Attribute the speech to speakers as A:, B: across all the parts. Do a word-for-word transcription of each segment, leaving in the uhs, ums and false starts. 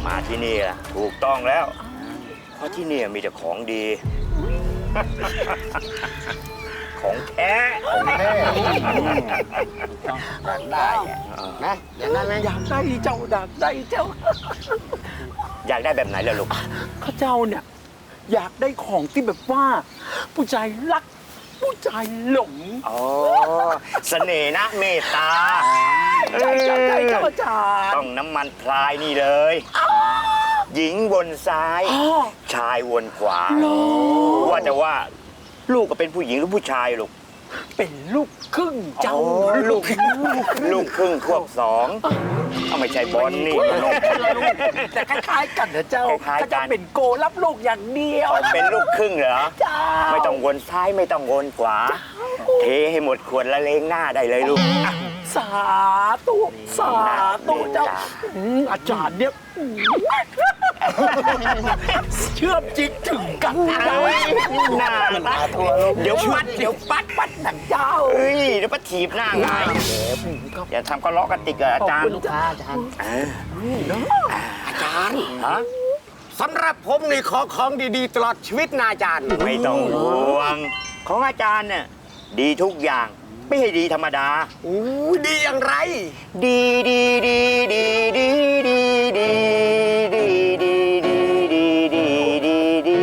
A: มาที่นี่ล่ะถูกต้องแล้ว เพราะที่นี่มีแต่ของดี ของแท้ของแท้อยากได้นะอยากได้ไหม
B: อยากได้เจ้าอยากได้เจ้า
A: อยากได้แบบไหนล่ะลูก
B: ข้าเจ้าเนี่ยอยากได้ของที่แบบว่า ผู้ชายรัก ผู้ชายหลง
A: อ๋อเสน่ห์นะเมตตา
B: ใช่ใช่ใช่เจ้าอาจารย์
A: ต้องน้ำมันพลายนี่เลย หญิงวนซ้าย ชายวนขวา ว่าแต่ว่า ลูกก็เป็นผู้หญิงหรือผู้ชายลูก
B: เป็นลูกครึ่งเจ้า
A: ลูกลูกครึ่งควบสองเอาไม่ใช่บอลนี่
B: แต่คล้ายๆกันนะเจ้า
A: คล้ายๆกัน
B: ข้าเจ้าเป็นโกรับลูกอย่างเดียว
A: เอาเป็นลูกครึ่งเหรอ
B: เจ้า
A: ไม่ต้องวนซ้ายไม่ต้องวนขวา เทให้หมดขวดละเลงหน้าได้เลยลูก
B: สาธุสาธุเจ้าอืมอาจารย์เนี่ยอืมเชื่อมจิตถึงกันเจ้า
A: หน้าตาทัวเดี๋ยวปัดเดี๋ยวปัด
B: ปัดหนังเจ้า
A: เฮ้ยเดี๋ยวปัดถีบหน้าไงอย่าทำก็ล้อกระติกกับอาจารย์
B: ขอบคุณค่ะอาจารย์
C: อาจารย์
A: ฮะ
C: สำหรับผมนี่ขอของดีๆ ตลอดชีวิตนะอาจารย์
A: ไม่ต้องห่วง ของอาจารย์เนี่ยดีทุกอย่างไม่ใช่ดีธรรมดา
C: อู้ดีอย่างไร
A: ดีดีดีดีดีดีดีดีดีดีดีดีดีดี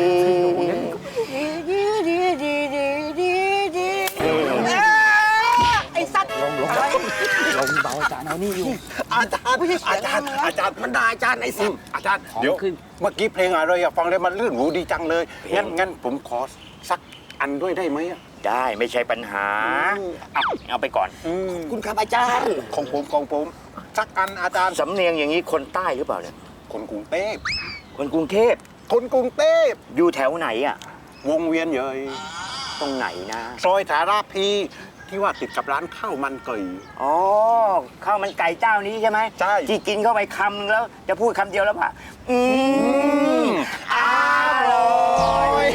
C: ไอ้สัตว์ลงลงลงเบาอาจารย์เอานี่อยู่ อาจารย์อาจารย์อาจารย์มันด่าอาจารย์ไอ้สัตว์อาจารย์เดี๋ยวเมื่อกี้เพลงอะไรอะฟังได้มันลื่นหูดีจังเลยงั้นงั้นผมขอสักอันด้วยได้ไหมอะ
A: ได้ไม่ใช่ปัญหาเอาเอาไปก่อน
C: คุณครับอาจารย์ของผมของผมสักอันอาจารย์
A: สำเนียงอย่างนี้คนใต้หรือเปล่าเนี่ย
C: คนกรุงเทพ
A: คนกรุงเทพ
C: คนกรุงเทพ
A: อยู่แถวไหนอ่ะ
C: วงเวียนใหญ่
A: ตรงไหนนะ
C: ซอยสาราพีที่ว่าติดกับร้านข้าวมันไก่
A: อ๋อข้าวมันไก่เจ้านี้ใช่ไหม
C: ใช่
A: ที่กินเข้าไปคำนึงแล้ว จะพูดคำเดียวแล้วป่ะอืมอร่อย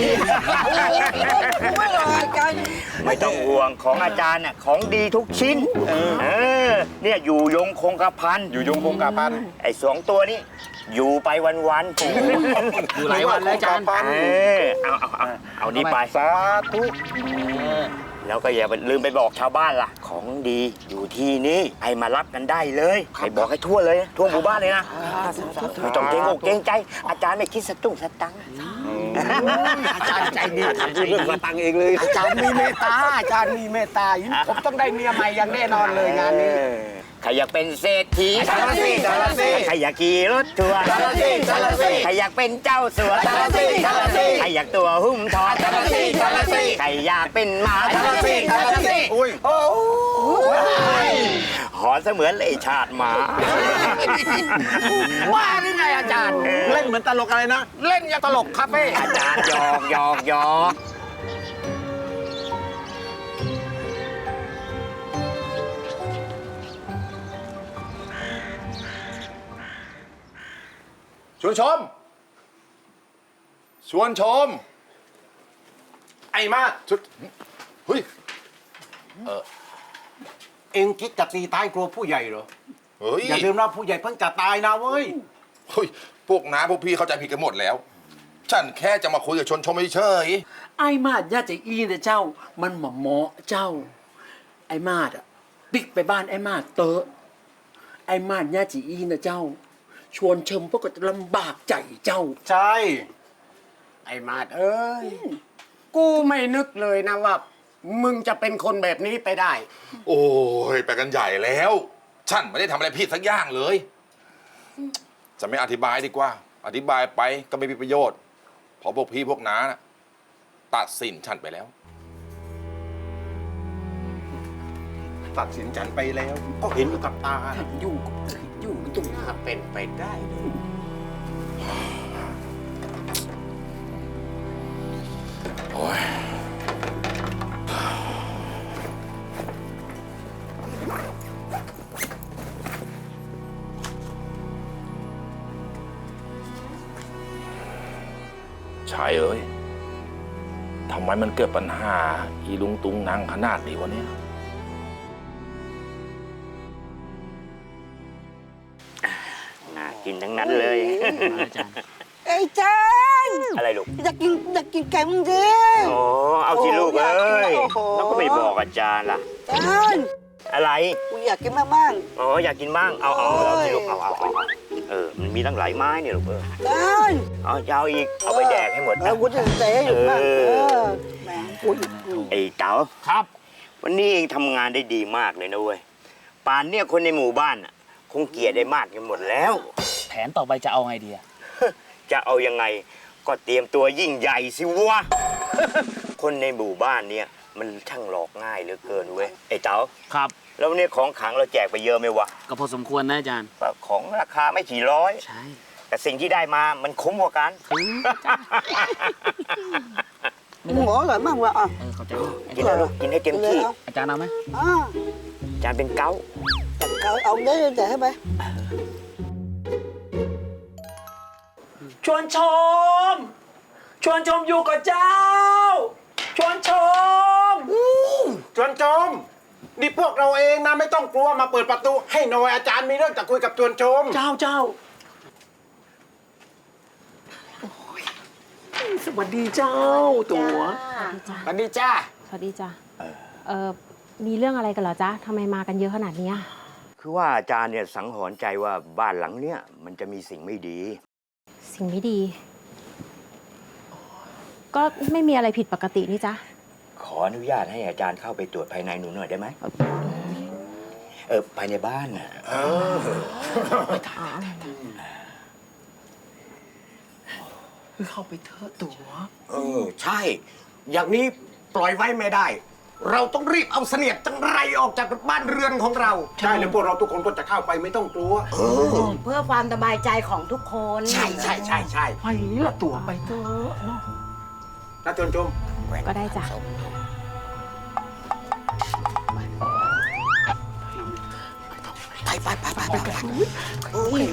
A: ไม่ต้องห่วงของอาจารย์น่ะของดีทุกชิ้นเออเนี่ยอยู่ยงคงกระพัน
C: อยู่ยงคงกาพัน
A: ไอ้สองตัวนี้ อยู่ไปวันๆ
C: อยู่หลายวันแล้วอาจารย์
A: เออเอาเอาเอาเอานี่ไป
C: สาธุ
A: แล้วก็อย่าลืมไปบอกชาวบ้านล่ะ ของดีอยู่ที่นี่ให้มารับกันได้เลยไปบอกให้ทั่วเลยนะทั่วหมู่บ้านเลยนะไม่ต้องเกรงอกเกรงใจ อาจารย์ไม่คิดสตุ้งสตังค์
C: อาจารย์ใจดีทำเรื่องมาตังเองเลย อาจารย์มีเมตตาอาจารย์มีเมตตาผมต้องได้เมียใหม่อย่างแน่นอนเลยงานนี้
A: ใครอยากเป็นเศรษฐี
C: จาระสิจาระสิ
A: ใครอยากขี่รถทัวร์
C: จาระสิจาระสิ
A: ใครอยากเป็นเจ้าสัว
C: จาระสิจาระสิ
A: ใครอยากตัวหุ้มทอง
C: จาระสิจาระสิ
A: ใครอยากเป็นหมา
C: จาระสิจาระสิอุ้ยโอ้
A: หอนเสมือนเลยชาติหมา
C: ว่าหรือไงอาจารย์ เล่นเหมือนตลกอะไรนะ เล่นอย่างตลกคาเฟ่
A: อาจารย์หยอกหยอกหยอก
D: ชวนชม ชวนชม ไอ้มาชุดเฮ้ย
C: เอ็งคิดจะตีตายกลัวผู้ใหญ่เหรอ
D: เฮ้ย
C: อย่าลืมนะผู้ใหญ่เพิ่งจะตายนะเว้ย
D: เฮ้ย พวกน้าพวกพี่เข้าใจผิดกันหมดแล้ว ฉันแค่จะมาคุยกับชวนชมเฉย
B: ไอ้มาดย่าจะอีนะเจ้า มันหมอหมอเจ้า ไอ้มาดอ่ะปิกไปบ้านไอ้มาดเตอะไอ้มาดย่าจะอีนะเจ้า ชวนเชิมพวกก็จะลำบากใจเจ้า
C: ใช่ ไอ้มาดเอ้ย กูไม่นึกเลยนะว่า มึงจะเป็นคนแบบนี้ไปได้
D: โอ้ยไปกันใหญ่แล้ว ฉันไม่ได้ทำอะไรผิดสักอย่างเลย จะไม่อธิบายดีกว่า อธิบายไปก็ไม่มีประโยชน์ เพราะพวกพี่พวกน้านะตัดสินฉันไปแล้ว
C: ตัดสินฉันไปแล้ว ก็เห็นอยู่กับตา
B: อยู่อยู่ตรง
C: ถ้าเป็นไปได้เลย
D: โอ้ย
E: ชายเอ้ย ทำไมมันเกิดปัญหา อีลุงตุงนางขนาดนี้วะเนี่ย
A: น่ากินกินทั้งนั้นเลย
B: อาจารย์
F: ไอ้จาน
A: อะไรลูก
F: อยากกินอยากกินไก่มึงดิ
A: โอ้เอาสิลูกเอ้ย
F: โอ้โห
A: แล้วก็ไม่บอกอาจารย์ล่ะ
F: จาน
A: อะไร
F: กูอยากกินมากบ้าง
A: อ๋ออยากกินบ้าง เอาเอาเอาสิลูก เอาเอาเอาเอาเออ มันมีตั้งหลายไม้เนี่ยลูกเออ
F: จาน
A: เอาจะเอาอีก เอาไปแดกให้หมด
F: เอ
A: นะ
F: อกูจะเตะอยู่มาก
A: เอ
F: เอ
A: อ
F: อแหมกูอีกอืม
A: ไอ้เต๋า
B: ครับ
A: วันนี้เองทำงานได้ดีมากเลยนะเว้ย ป่านเนี่ยคนในหมู่บ้านน่ะคงเกลียดได้มากกันหมดแล้ว
G: แผนต่อไปจะเอาไงดีอะ
A: จะเอายังไงก็เตรียมตัวยิ่งใหญ่สิวะ คนในหมู่บ้านเนี่ยมันช่างหลอกง่ายเหลือเกินเว้ย ไอ้เต๋า
G: ครับ
A: แล้วเนี่ยของขลังเราแจกไปเยอะไหมวะ
G: ก็พอสมควรนะอาจารย์
A: ของราคาไม่กี่ร้อย
G: ใช่
A: แต่สิ่งที่ได้มามันคุ้มกว่ากัน
F: หมูอร่อยมากว่ะอ่ะ
G: เออเข้าใจ
A: กินแล้วลูกกินให้เต็มที่
F: เอา
G: อาจารย์เอาไหม
F: อ่า
A: จานเป็นเก้า
F: แต่เอาเอาได้แต่ให้ไป
B: ชวนชม ชวนชมอยู่กับเจ้า ชวนชม
C: จวนโจม นี่พวกเราเองนะไม่ต้องกลัวมาเปิดประตู ให้หน่อยอาจารย์มีเรื่องจะคุยกับจวนโจม
B: เจ้าเจ้าโอ้ยสวัสดีเจ้าตัว
C: สวัสดีจ้า
H: สวัสดีจ้ะเออมีเรื่องอะไรกันเหรอจ๊ะทำไมมากันเยอะขนาดเนี้ย
A: คือว่าอาจารย์เนี่ยสังหรณ์ใจว่าบ้านหลังเนี้ยมันจะมีสิ่งไม่ดี
H: สิ่งไม่ดี ก็ไม่มีอะไรผิดปกตินี่จ๊ะ
A: ขออนุญาตให้อาจารย์เข้าไปตรวจภายในหนูหน่อยได้ไหมเออภายในบ้านน่ะ
B: เข้าไปเถอะตัว
I: เออ ใช่ อย่างนี้ปล่อยไว้ไม่ได้ เราต้องรีบเอาเสนียดจังไรออกจากบ้านเรือนของเรา
C: ใช่แล้วพวกเราทุกคนก็จะเข้าไปไม่ต้องกลัว
F: เพื่อความสบายใจของทุกคน
I: ใช่ใช่ใช่ใช่
B: ไปละตัวไปเถอะเนาะ
C: นะจวนโจม
H: ก็ได้จ้ะ
I: ไปไปไปไปไปไปโอ้ย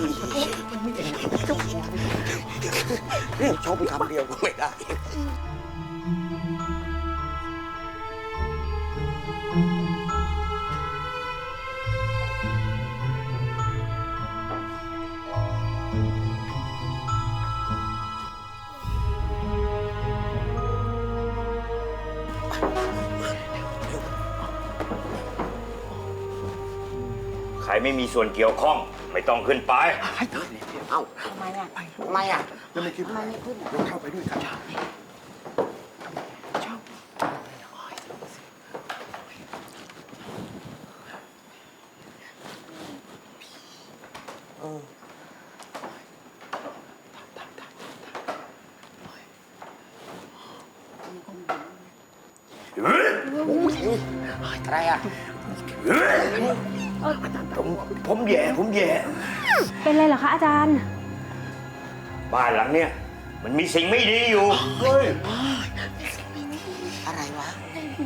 I: เรื่องชมคำเดียวก็ไม่ได้
A: ใครไม่มีส่วนเกี่ยวข้องไม่ต้องขึ้นไป
I: เอ้า
F: ทำไมอ่ะ
I: ทำไมอ่ะ
F: ทำไมไม่ขึ้น
C: เราเข้าไปด้วยกัน
I: อะไรอ่ะ
A: ผมผมแย่ผมแย่
H: เป็นไรเหรอคะอาจารย์
A: บ้านหลังเนี้ยมันมีสิ่งไม่ดีอยู่
F: อะไรวะ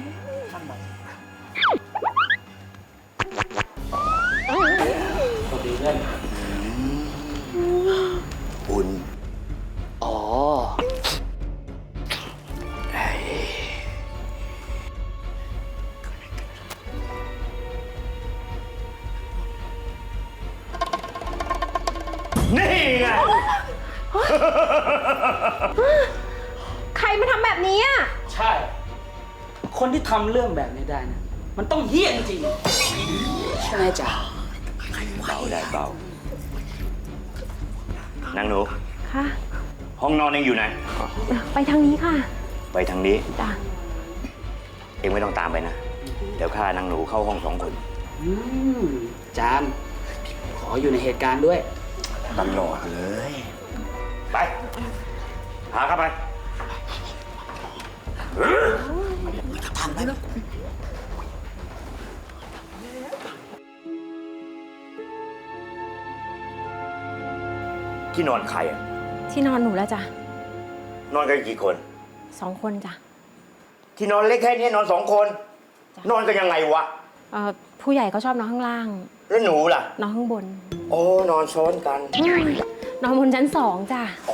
A: อุ่น
G: อ๋อ
A: นี่ไง
H: ใครมาทำแบบนี้อ่ะ
G: ใช่ คนที่ทำเรื่องแบบนี้ได้นะ มันต้องเหี้ยจริงๆใช่ไหมจ๊ะ
A: เบาได้เบา นางหนู
H: ค่ะ
A: ห้องนอนเองอยู่ไหน
H: ไปทางนี้ค่ะ
A: ไปทางนี้
H: จ้ะ
A: เองไม่ต้องตามไปนะ เดี๋ยวข้านางหนูเข้าห้องสองคน
G: อืมอาจารย์ ขออยู่ในเหตุการณ์ด้วย
A: ตลอดเลย ไป หาเข้าไป
F: ทำไป
A: ที่นอนใครอะ
H: ที่นอนหนูแล้วจ้ะ
A: นอนกันกี่คน
H: สองคนจ้ะ
A: ที่นอนเล็กแค่นี้นอนสองคน นอนกันยังไงวะ
H: เอ่อผู้ใหญ่ก็ชอบนอนข้างล่าง
A: แล้วหนูล่ะ
H: นอนข้างบน
A: โอ้ นอนซ้อนกัน
H: อืมนอนบนชั้นสองจ้ะ
A: อ๋อ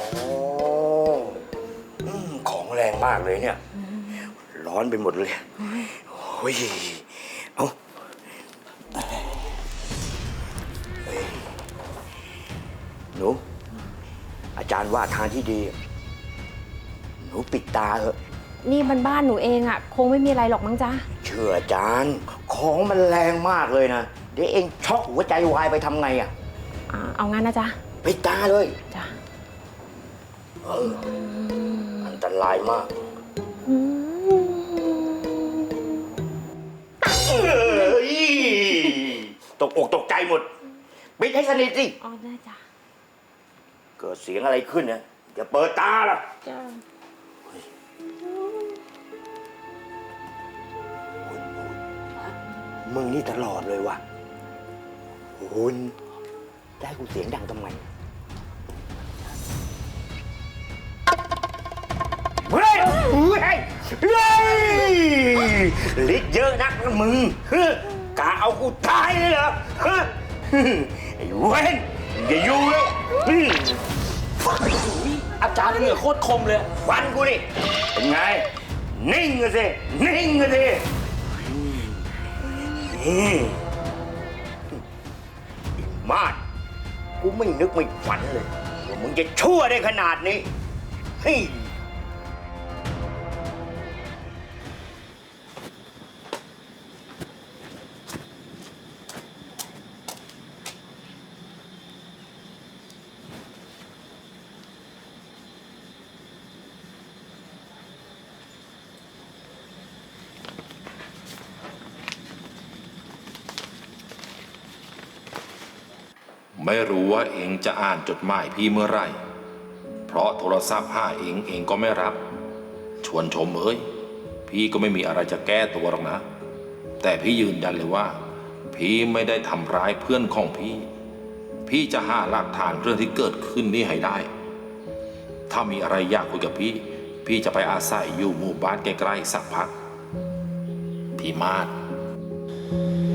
A: อืมของแรงมากเลยเนี่ย ร้อนไปหมดเลยโอ้ย เอาเฮ้ยหนูอาจารย์ว่าทางที่ดีหนูปิดตาเถอะ
H: นี่มันบ้านหนูเองอะคงไม่มีอะไรหรอกมั้งจ๊ะ
A: เชื่ออาจารย์ของมันแรงมากเลยนะเดี๋ยวเองช็อกหัวใจวายไปทำไงอ่ะ
H: อ่าเอางั้นนะจ๊ะ
A: ปิดตาเลย
H: จ้ะ
A: เอออันตรายมาก
H: อืม
A: เอ้ยตกอกตกใจหมดปิดให้สนิทสิ
H: อ๋อได้จ้ะ
A: เกิดเสียงอะไรขึ้นนะอย่าเปิดตาล่ะ
H: จ้ะ
A: มึงนี่ตลอดเลยวะคุณได้กูเสียงดังทำไมเฮ้ยเฮ้ยเฮ้ยฤทธิ์เยอะนักนะมึงเฮ้ยกะเอากูตายเลยเหรอเฮ้ยไอ้เว้นอย่าอยู่เลยอืม
G: อาจารย์เหงื่อโคตรคมเลย
A: ฟันกูดิเป็นไง นิ่งกันสิ นิ่งกันสิอืมมาดกูไม่นึกไม่ฝันเลยว่ามึงจะชั่วได้ขนาดนี้เฮ้ย
E: ไม่รู้ว่าเองจะอ่านจดหมายพี่เมื่อไหร่ เพราะโทรศัพท์หาเองเองก็ไม่รับ ชวนชมเอ้ย พี่ก็ไม่มีอะไรจะแก้ตัวหรอกนะ แต่พี่ยืนยันเลยว่า พี่ไม่ได้ทำร้ายเพื่อนของพี่ พี่จะหาหลักฐานเรื่องที่เกิดขึ้นนี้ให้ได้ ถ้ามีอะไรอยากคุยกับพี่ พี่จะไปอาศัยอยู่หมู่บ้านใกล้ๆสักพัก พี่มาศ